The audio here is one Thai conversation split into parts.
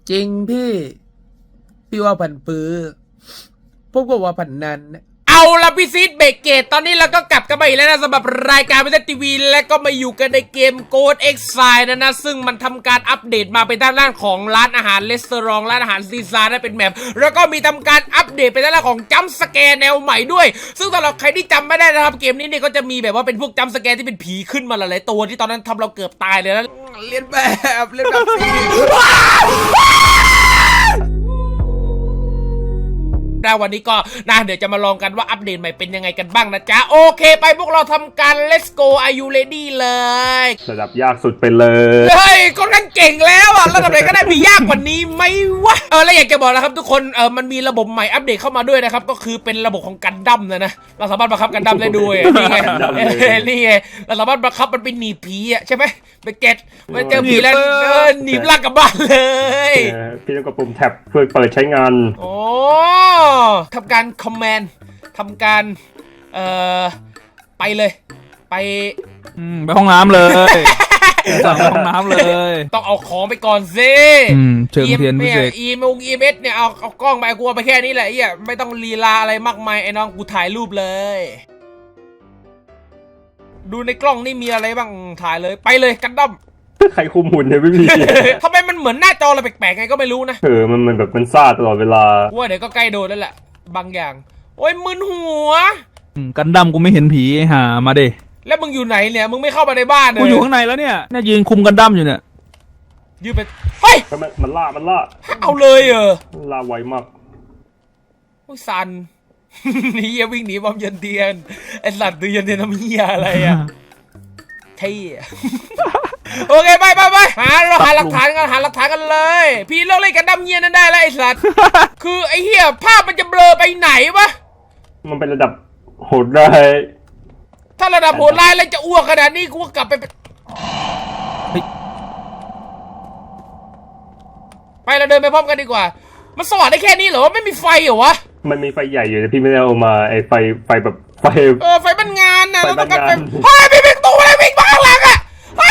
จริงพี่ว่าผันปื้อพวกว่าผันนั้นเอาละพี่ซีดเบรกเกตตอนนี้เราก็กลับกันมาอีกแล้วนะสำหรับรายการวิทยทีวีและก็มาอยู่กันในเกม Ghost Exile นะซึ่งมันทำการอัปเดตมาเป็นด้านของร้านอาหารรีสอร์ทร้านอาหารซีซ่าได้เป็นแมปแล้วก็มีทำการอัปเดตเป็นด้านของจัมป์สแกร์แนวใหม่ด้วยซึ่งสำหรับใครที่จำไม่ได้นะครับเกมนี้เนี่ยก็จะมีแบบว่าเป็นพวกจัมป์สแกร์ที่เป็นผีขึ้นมาหลายๆตัวที่ตอนนั้นทำเราเกือบตายเลยนะเล่นแบบสิแล้ววันนี้ก็นะเดี๋ยวจะมาลองกันว่าอัปเดตใหม่เป็นยังไงกันบ้างนะจ๊ะโอเคไปพวกเราทำการ let's go are you ready เลยระดับยากสุดไปเลยเฮ้ยก็นั่งเก่งแล้วอ่ะระดับไหนก็ได้มียากกว่านี้ไหมวะแล้วอยากจะบอกนะครับทุกคนมันมีระบบใหม่อัปเดตเข้ามาด้วยนะครับก็คือเป็นระบบของกันดั้มนะเราสามารถบังคับกันดั้มได้ด้วยนี่ไงนี่ไงเราสามารถบังคับมันเป็นหนีผีอ่ะใช่ไหมไปเก็ตมันเจอผีแล้วหนีบลากกลับบ้านเลยพี่ต้องกดปุ่มแท็บเพื่อเปิดใช้งานโอ้ทำการคอมแมนด์ทำการไปเลยไปห้องน้ำเลยสั่งไปห้องน้ำเลยต้องเอาของไปก่อนสิเชิงเทียนพิเศษ EMS เนี่ยเอากล้องไปกูเอาไปแค่นี้แหละไม่ต้องลีลาอะไรมากมายไอ้น้องกูถ่ายรูปเลยดูในกล้องนี่มีอะไรบ้างถ่ายเลยไปเลยกันดั้มใครคุมหุ่นเนี่ยไม่มีทำไมมันเหมือนหน้าจออะไรแปลกๆไงก็ไม่รู้นะมันแบบมันซ่าตลอดเวลาว่าเดี๋ยวก็ใกล้โดนแล้วแหละบางอย่างโอ้ยมึนหัวกันดั้มกูไม่เห็นผีหามาดิแล้วมึงอยู่ไหนเนี่ยมึงไม่เข้ามาในบ้านเลยกูอยู่ข้างในแล้วเนี่ยยืนคุมกันดั้มอยู่เนี่ยยืนไปเฮ้ยมันล่าเอาเลยล่าไวมากโอ้ยสันนี่วิ่งหนีบอมเย็นเทียนไอสัตว์ดูเย็นเทียนทำเหี้ยอะไรอ่ะเท่โอเคไปหาหลักฐานกันเลยพี่เลิกเล่นกันดั้มเงี้ยนั่นได้แล้วไอสัตว์คือไอเหี้ยภาพมันจะเบลอไปไหนวะมันเป็นระดับโหดร้ายถ้าระดับโหดร้ายแล้วจะอ้วกขนาดนี้กูก็กลับไปเราเดินไปพร้อมกันดีกว่ามันสว่างได้แค่นี้เหรอไม่มีไฟเหรอวะมันมีไฟใหญ่อยู่แต่พี่ไม่ได้เอามาไอไฟแบบไฟบ้านงานนะเราต้องการไฟเฮ้ยพี่วิ่งตู้อะไรวิ่งมาข้างหลังอ่ะ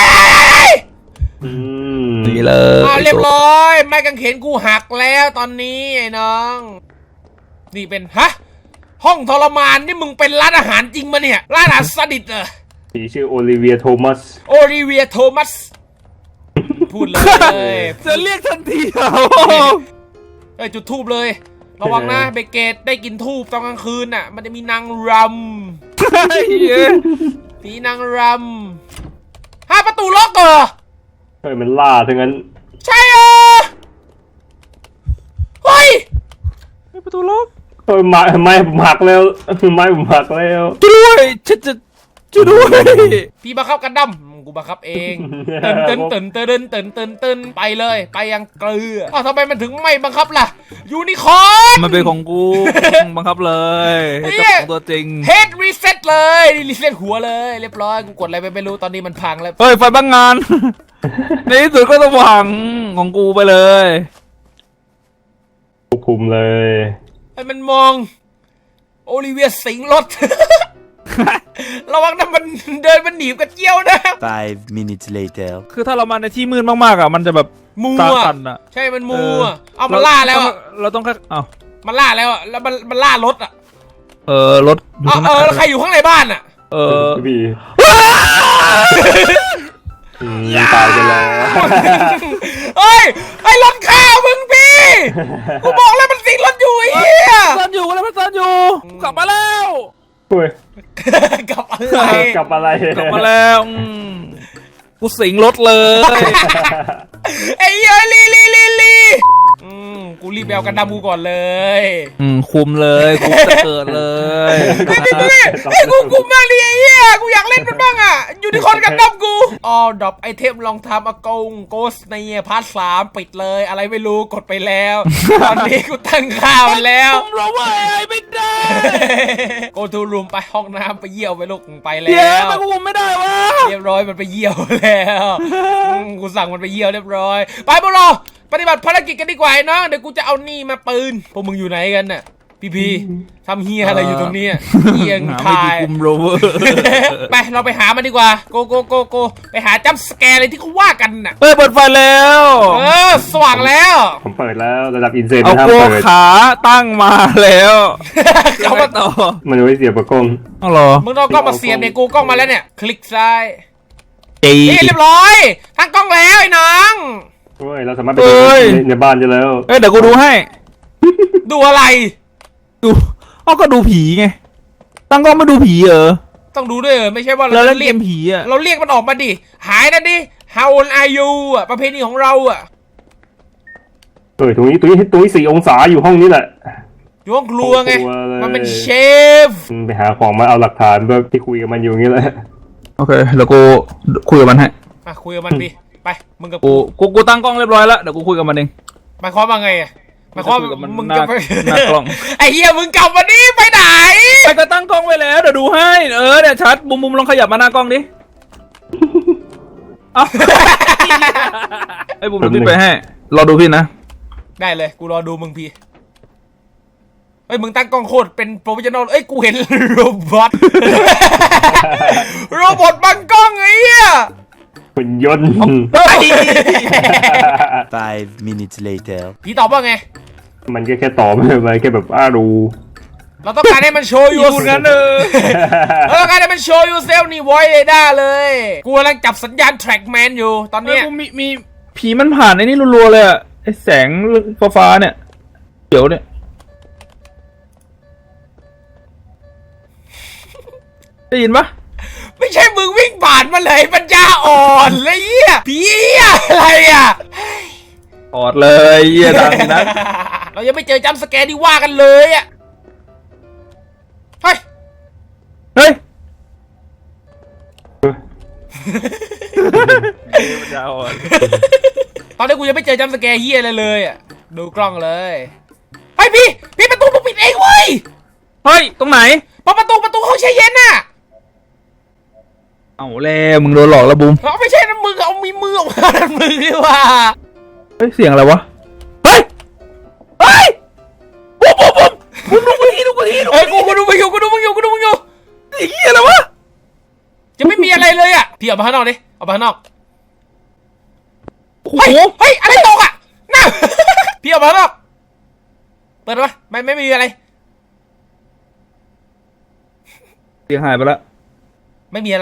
ดีเลยเรียบร้อยไม้กางเขนกูหักแล้วตอนนี้ไอ้น้องนี่เป็นห้องทรมานนี่มึงเป็นร้านอาหารจริงมาเนี่ยร้านอาหารซาดิสผีชื่อโอลิเวียโทมัสพูดเลยจะเรียกทันทีเหรอจุดทูบเลยระวังนะเบเกตได้กินทูบตอนกลางคืนน่ะมันจะมีนางรำผีนางรำประตูล็อกมันล่าทั้งนั้นใช่เฮ้ยประตูล็อกไม้ผมหักแล้วไม้ผมหักแล้วด้วยช่วยด้วยพี่บังคับกันดั้มกูบังคับเองเต้นไปเลยไปยังเกลือทำไมมันถึงไม่บังคับล่ะยูนิคอร์นมันเป็นของกูบังคับเลยเจ้าของตัวจริงเฮดรีเซ็ตเลยรีเซ็ตหัวเลยเรียบร้อยกูกดอะไรไปไม่รู้ตอนนี้มันพังแล้วเฮ้ยไฟบ้างงานในที่สุดก็สว่างของกูไปเลยควบคุมเลยไอ้มันมองโอลิเวียสิงรถระวังนะมันเดินมันหนีบกระเจียวนะ 5 minutes later คือถ้าเรามาในที่มืดมากๆมันจะแบบมัวใช่มันมัวเอามันล่าแล้วเราต้องแค่มันล่าแล้วแล้วมันล่ารถรถใครอยู่ข้างในบ้านพี่ตายไปแล้วเฮ้ยไอ้รถข้าวมึงพี่กูบอกแล้วมันสิงรถอยู่ไอ้เหี้ยซ่อนอยู่แล้วมันซ่อนอยู่กลับมาแล้วกลับมาแล้วกูสิงรถเลยไอ้เหี้ยลีกูรีบไปเอากันดำกูก่อนเลยคุมเลยกูจะเกิดเลยไอ้กูมาดิไอ้เหี้ยกูอยากเล่นมันบ้างอยู่ที่คนกันดำกูดรอปไอเทมลองทำโกสในพาร์ท 3ปิดเลยอะไรไม่รู้กดไปแล้วตอนนี้กูตั้งค่ามันแล้วผมรู้ว่าไม่ได้โกทูรูมไปห้องน้ำไปเยี่ยวไปลูกไปแล้วมันกูไม่ได้วะเรียบร้อยมันไปเยี่ยวแล้วกูสั่งมันไปเยี่ยวเรียบร้อยไปพวกเราปฏิบัติภารกิจกันดีกว่าเนาะเดี๋ยวกูจะเอานี่มาปืนพวกมึงอยู่ไหนกันน่ะพี่ทำเฮียอะไรอยู่ตรงนี้เฮียงหาทาไม่ดียคุมโรเวอร์ไปเราไปหามันดีกว่าโกไปหาจัมป์สแกร์เลยที่เขาว่ากันน่ะเปิดไฟแล้วสว่างแล้วผมเปิดแล้วระดับอินเซนเอาห้ามโกเปิดขาตั้งมาแล้วเขามาต่อมันไว้เสียบกับกล้องเอาเหรอมึงต้องกล้องมาเสียบในกูกล้องมาแล้วเนี่ยคลิกซ้ายจีนี่เรียบร้อยตั้งกล้องแล้วไอ้น้องโอ้ยเราสามารถไปดูในบ้านได้แล้วเดี๋ยวกูดูให้ดูอะไรดูก็ดูผีไงตั้งกล้องมาดูผีเหรอต้องดูด้วยไม่ใช่ว่าแล้วเราเล่นเรีเกยกมผีอ่ะเราเรียกมันออกมาดิหายนั่นดิ How old are you อ่ะประเพณีของเราอ่ะตรงนี้4 องศาอยู่ห้องนี้แหละอยู่ห้องครัวไงห้องครัวเลยมันเป็นเชฟไปหาของมาเอาหลักฐานเพื่อที่คุยกับมันอยู่อย่างนี้แหละโอเคแล้วกูคุยกับมันให้มาคุยกับมันดิไปมึงกับกูตั้งกล้องเรียบร้อยแล้วเดี๋ยวกูคุยกับมันเองหมายความว่าไงอ่ะหมายความคุยกับมันมึงหน้าจะไปหน้ากล้องไอ้เหี้ยมึงกลับมานี่ไปไหนไปก็ตั้งกล้องไว้แล้วเดี๋ยวดูให้เดี๋ยวชัดมุมลองขยับมาหน้ากล้องดิเอาไอ้บุมดูพี่ไปให้รอดูพี่นะได้เลยกูรอดูมึงพี่เอ้ยมึงตั้งกล้องโคตรเป็นโปรเฟชชั่นอลเอ้ยกูเห็นโรบอท โรบอทบังกล้องไอ้เหี้ยหุ่นยนต์ 5 minutes later. พี่ตอบว่าไงมันแค่ตอบไปแค่แบบดูเราต้องการให้มันโชว์ยูพูดงั้นเราต้องการให้มันโชว์ยูเซลนี่ไว้เลยได้เลย กูกำลังจับสัญญาณแทร็กแมนอยู่ตอนเนี้ยมีผีมันผ่านไอ้นี่รัวๆเลยอะไอ้แสงฟ้าเนี่ยเดี๋ยวเนี่ยได้ยินปะไม่ใช่มึงวิ่งผ่านมาเลยปัญญาอ่อนเลยเหี้ยผีอะไรอ่ะออดเลยเยี่ยดังนะเรายังไม่เจอจัมป์สแกร์ที่ว่ากันเลยอ่ะเฮ้ยเฮ้ยยาวอ่ะตอนนี้กูยังไม่เจอจัมป์สแกร์เฮียอะไรเลยอ่ะดูกล้องเลยเฮ้ยพี่ประตูมึงปิดเองเว้ยเฮ้ยตรงไหนประตูห้องแช่เย็นน่ะเอาแล้วมึงโดนหลอกแล้วบูมเอาไม่ใช่นะมึงเอามีมือออกมานั่นมือดีว่าเฮ้ยเสียงอะไรวะเฮ้ยบูมดูกูทีดูเฮ้ยกูดูมึงอยู่ไอ้เหี้ยอะไรวะจะไม่มีอะไรเลยอ่ะพี่ออกมาข้างนอกดิออกมาข้างนอกโอ้โหเฮ้ยอะไรตกอ่ะน่า พี่ออกมาข้างนอกเปิดมาไม่มีอะไรเสียงหายไปละไม่มีอะไร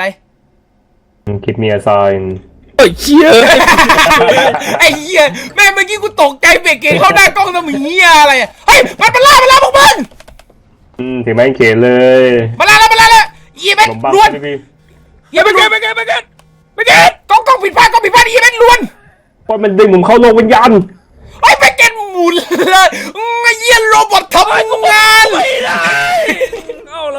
คิดมีอาไซน์เฮ้ยเชี่ยไอ้เหี้ยแม่เมื่อกี้กูตกใจเบรกเกตเข้าหน้ากล้องทำเหี้ยอะไรอ่ะเฮ้ยมันล่าพวกมึงถึงแม้เขนเลยมาแล้วอีเมนผมบังล้วนพี่อีเมนล้วนไม่เก็ตกล้องผิดพลาดอีเมนล้วนเพราะมันดึงผมเข้าโลกวิญญาณไอ้เบรกเกตหมุนเลยไอ้เหี้ยโรบอททำงานไม่ได้เอาเลย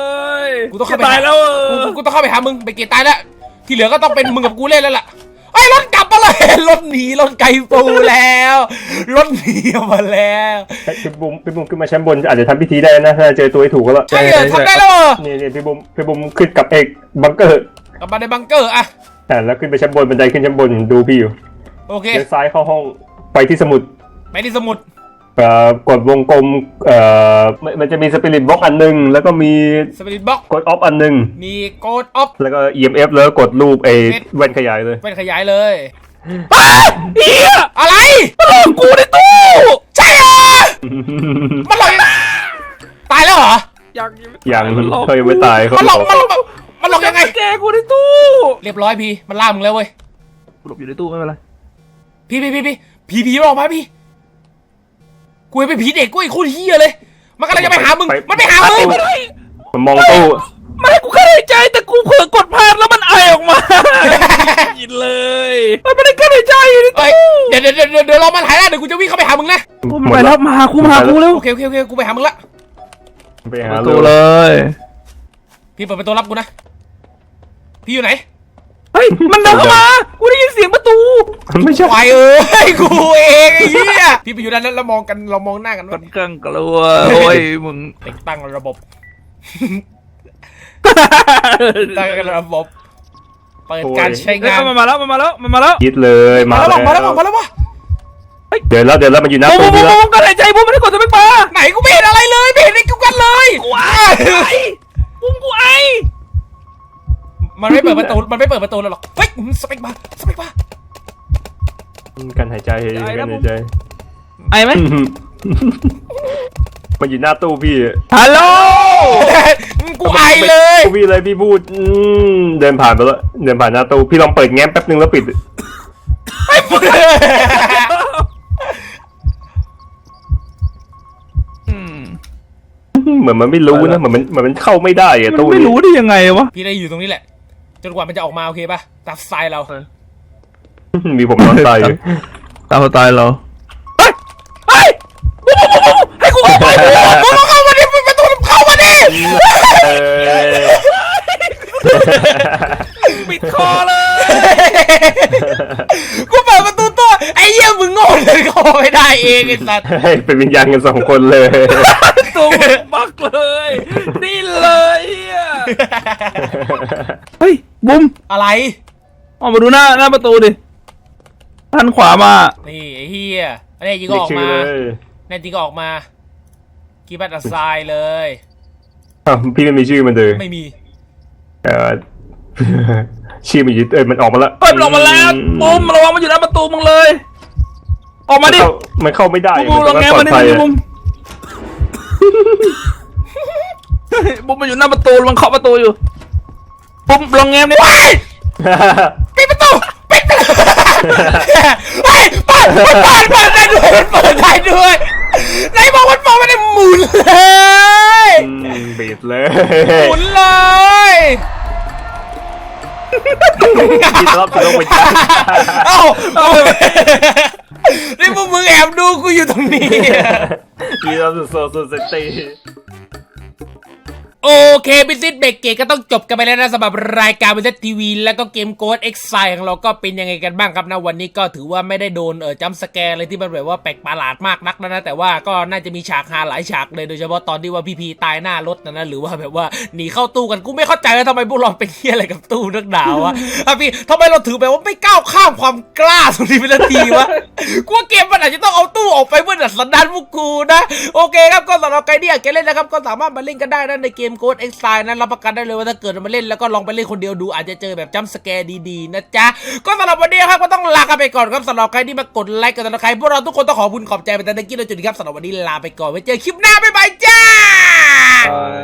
กูต้องเข้าไปตายแล้วกูต้องเข้าไปหามึงเบรกเกตตายแล้วที่เหลือก็ต้องเป็นมึงกับกูเล่นแล้วล่ะไอ้รถกลับมาเลยรถหนีรถไกลปูแล้วรถหนีมาแล้วพี่บุ้มขึ้นมาชั้นบนอาจจะทำพิธีได้นะถ้าเจอตัวให้ถูกก็แล้วใช่เหรอทำได้แล้วเหรอนี่พี่บุ้มขึ้นกับเอกบังเกอร์กลับมาในบังเกอร์อะแล้วขึ้นไปชั้นบนบันไดขึ้นชั้นบนดูพี่อยู่โอเคเลี้ยวซ้ายเข้าห้องไปที่สมุดไปที่สมุดกดวงกลมมันจะมีสปิริตบล็อกอันนึงแล้วก็มีสปิริตบ็อกกดออฟอันนึงมีโกดออฟแล้วก็ EMF แล้วกดรูปแว่นขยายเลยเป็นขยายเลยเฮียอะไรมันหลอกกูในตู้ใช่เหรอมันหลอกตายแล้วเหรอยังเขายังไม่ตายเขามันหลอกบอกมันหลอกยังไงแกกูในตู้เรียบร้อยพี่มันล่ามึงแล้วเว้ยหลบอยู่ในตู้ไม่เป็นไรพี่ผีมันออกมาพี่กูเป็นผีเด็กกูไอ้คู่เฮียเลยมันกำลังจะไปหามึงมันไปหามึงมันมองตู้ไม่ให้กูแค่หายใจแต่กูเผลอกดพลาดแล้วมันไอออกมายินเลยมันไม่ได้แค่หายใจอยู่ในเอ้ยตู้เดี๋ยวรอมันหายแล้วเดี๋ยวกูจะวิ่งเข้าไปหามึงนะมันไปแล้วมาหากูเร็วโอเคกูไปหามึงละไปหาตู้เลยพี่เปิดประตูรับกูนะพี่อยู่ไหนเฮ้ยมันเดินเข้ามากูได้ยินเสียงประตูไม่ใช่ควายเอ้ยกูเองไอ้เหี้ยพี่ไปอยู่ด้านนั้นแล้วมองกันเรามองหน้ากันค่ว่าอนข้างกลัวโอ้ยมึงติดตั้งระบบตั้งระบบเปิดการใช้งานมันมาแล้วยิดเลยมามาแล้วแล้ววะเฮ้ยเดินแล้วมันอยู่หน้าบุ้มตู้บุ้พี่มแล้วบุ้มกันหายใจบุ้มไม่ได้กดสเปคบาร์ไหนกูไม่เห็นอะไรเลยไม่เห็นอะไรกูกันเลยกูไอบุ้มกูไอมันไม่เปิดประตูแล้วหรอกเฮ้ยสเปกบาร์กันหายใจกันหายใจไอไหมมันอยู่หน้าตู้พี่ฮัลโหลกูไอเลยพี่เลยพี่พูดเดินผ่านไปแล้วเดินผ่านหน้าตู้พี่ลองเปิดแง้มแป๊บนึงแล้วปิด เหมือนมันไม่รู้นะเหมือนมันเข้าไม่ได้อะมันตู้ไม่นี้รู้ได้ยังไงวะพี่ได้อยู่ตรงนี้แหละจนกว่ามันจะออกมาโอเคป่ะตามสไตล์เรามีผมนอนตายอยู่ตามสไตล์เราเฮ้ยบุ้มบุ้มให้กูเข้าไปมึงเข้ามาดิประตูเข้ามาดิเออปิดคอเลยกูเปิดประตูตัวไอ้เหี้ยมึงโง่เลยเข้าไม่ได้เองไอ้สัตว์ให้เป็นวิญญาณกัน2 คนเลยตัวบักเลยนี่เลยเฮ้ยบุ้มอะไรออกมาดูหน้าประตูดิหันขวามานี่ไอ้เหี้ยอันนี้จริงก็เรียอก อกชื่อมาเลยแน่จริงก็ออกมากีบัตอัสไซเลยอ้าวพี่ไม่มีชื่อมันเลยไม่มีชื่อมันอยู่มันออกมาแล้วเปิดออกมาแล้วบุ้มระวังมันอยู่หน้าประตูมึงเลย ออกมาดิมันเข้าไม่ได้บุ้มลองแง้มปลมาอดดิภัยบุ้มบุ้มมันอยู่หน้าประตูมันเคาะประตูอยู่บุ้มลองแง้มดิว้ายปิดประตูปิดประตูเฮ้ยเปิดได้ด้วยเปิดได้ด้วยไหนบอกมันไม่ได้หมุนเลยบีดเลยหมุนเลยพี่รอบจะลงไปจ้าเอ้านี่พวกมึงแอบดูกูอยู่ตรงนี้พี่รอบโซเซตี้โอเคบิซิสเบรกเกตก็ต้องจบกันไปแล้วนะสำหรับรายการบิซิสทีวีแล้วก็เกมโค้ดเอ็กไซของเราก็เป็นยังไงกันบ้างครับนะวันนี้ก็ถือว่าไม่ได้โดนจัมป์สแกร์อะไรที่มันแบบว่าแปลกประหลาดมากนักนะแต่ว่าก็น่าจะมีฉากฮาหลายฉากเลยโดยเฉพาะตอนที่ว่าพี่พีตายหน้ารถนะหรือว่าแบบว่าหนีเข้าตู้กันกูไม่เข้าใจว่าทำไมพวกเราเป็นเหี้ยอะไรกับตู้นักหนาวะพี่ทำไมเราถือแบบว่าไม่ก้าวข้ามความกล้าตรงนี้เป็นทีวะกูว่าเกมมันอาจจะต้องเอาตู้ออกไปเพื่อดัดสันดานพวกกูนะโอเคครับก็สำหรับใครที่อยากจะเล่นนะครับก็สามารถมาเล่นกันได้นะในเกมโค้ด X นั้นรับประกันได้เลยว่าถ้าเกิดมาเล่นแล้วก็ลองไปเล่นคนเดียวดูอาจจะเจอแบบจัมป์สแกร์ดีๆนะจ๊ะก็สำหรับวันนี้ครับก็ต้องลากันไปก่อนครับสำหรับใครที่มากดไลค์กันนะใครพวกเราทุกคนต้องขอบคุณขอบใจไปแต่ตะกี้เราจุดนี้ครับสำหรับวันนี้ลาไปก่อนไว้เจอคลิปหน้าบ๊ายบายจ้าบาย